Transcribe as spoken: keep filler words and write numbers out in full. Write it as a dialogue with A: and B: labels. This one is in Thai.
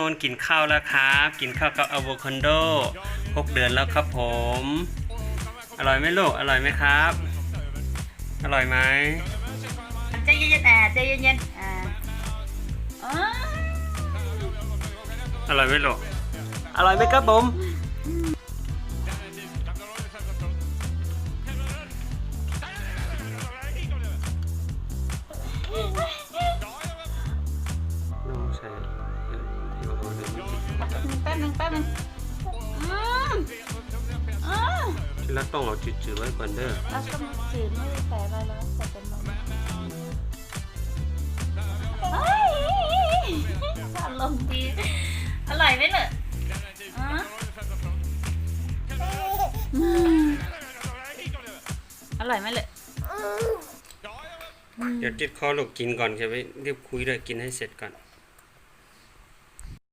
A: นกินข้าวแล้วครับกินข้าวกับอะโวคาโดหกเดือนแล้วครับผมอร่อยไหมลูกอร่อยไหมครับอร่อยไหม
B: ใจเย็นๆอ่ะใจเย็นๆอ่ะอ๋อ
A: อร่อยไหมลูกอร่อยไหมครับผมน้องใช้
B: แป๊บนึงแป๊บนึงอืมอืม
A: ที่รักต้องเอาจืดๆไว้ก่อนเด้อ
B: แล้วก็จืดไม่ได้ใส่อะไรแล้วใส่เป็นนมเฮ้ยอารมณ์ดีอร่อยไหมเนี่ยอร่อยไหมเลย
A: เดี๋ยวติดคอลูกกินก่อนจะไปรีบคุยด้วยกินให้เสร็จก่อน